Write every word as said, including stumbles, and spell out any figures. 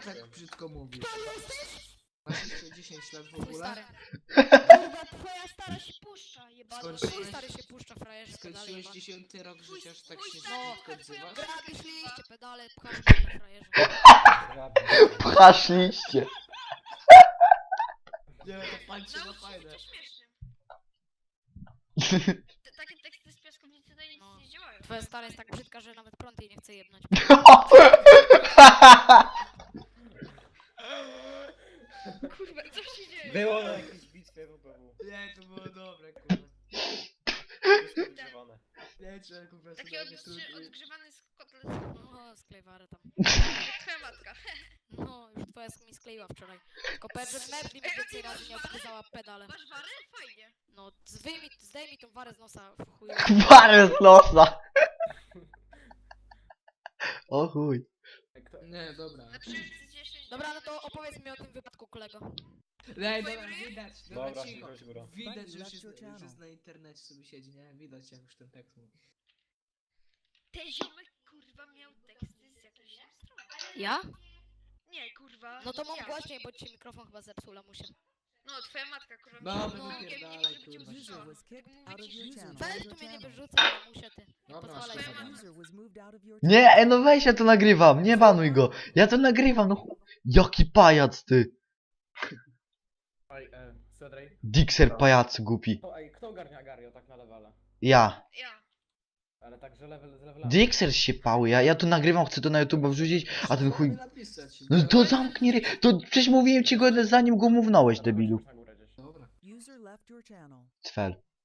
tak brzydko mówisz? Kto jesteś? Masz jeszcze dziesięć lat w Twój ogóle? stary. Kurwa, twoja stara się puszcza, jebana. Skończyłeś- Twój stary się puszcza, frajerze, pedale Skończyłeś jebane. dziesiąty rok życia, aż tak się No. brzydko odzywasz? Grabisz liście, pedale, pchasz mnie, frajerze. Pchasz liście. Nie, to patrzcie na Naucz się fajne. być śmiesznym. Te, takie teksty z piaskownicy to nic No. nie działają. Twoja stara jest tak brzydka, że nawet prąd jej nie chce jebnąć. Kurwa, co się dzieje? Było na jakiejś bitwie w B W. Nie, to było dobre, kurwa. Wszystko używane. Nie, trzeba kurwa sobie Taki jakieś odgrzy- trudne- odgrzewany z kotlet. No, sklejwarę tam. Twoja matka. No, już twoja mi skleiła wczoraj. Tylko powiem, że Merli mi więcej razy nie odgryzała pedale. Masz warę? Fajnie. No, zdejmij, zdejmij tą warę z nosa, w chuju. Parę z nosa. O chuj. Kto... Nie, dobra. Na przykład dziesięć. Dobra, no to opowiedz mi o tym wypadku, kolego. Nie, dobra, widać. Dobra, Dobra, cicho. chodź góra. Widać, że już jest, już jest na internecie sobie siedzi, nie? Widać jak już ten tekst mówi. Ten ziomek kurwa miał teksty z jakiejś tam strony. Ja? Nie, kurwa. No to mów ja. głośniej, bo ci się mikrofon chyba zepsuł, lamusie. No, twoja matka kurwa Dobra, miała no mówię, nie pierdalaj, chcę, żeby cię kurwa. usłyszała. User was kicked Tak out of mówię your ci, channel. Weź tu mnie nie wyrzucaj, lamusie, ty. Nie Dobra, pozwalaj twoja sobie. matka. User was moved out of your Nie, e, no weź, ja to nagrywam. Nie banuj go. Ja to nagrywam, no chu... Jaki pajac ty. Ej, e, Cedrej. Dixer pajacu głupi. To, ej, kto ogarnia Gario tak na levela? Ja. Ja. Ale tak, że level z levelami. Dixer się pały, ja, ja to nagrywam, chcę to na YouTube wrzucić, a ten chuj... napisać. No to zamknij ry... To przecież mówiłem ci go zanim go mównąłeś, debilu. Na górę gdzieś. Dobra. User left your channel. Cfel.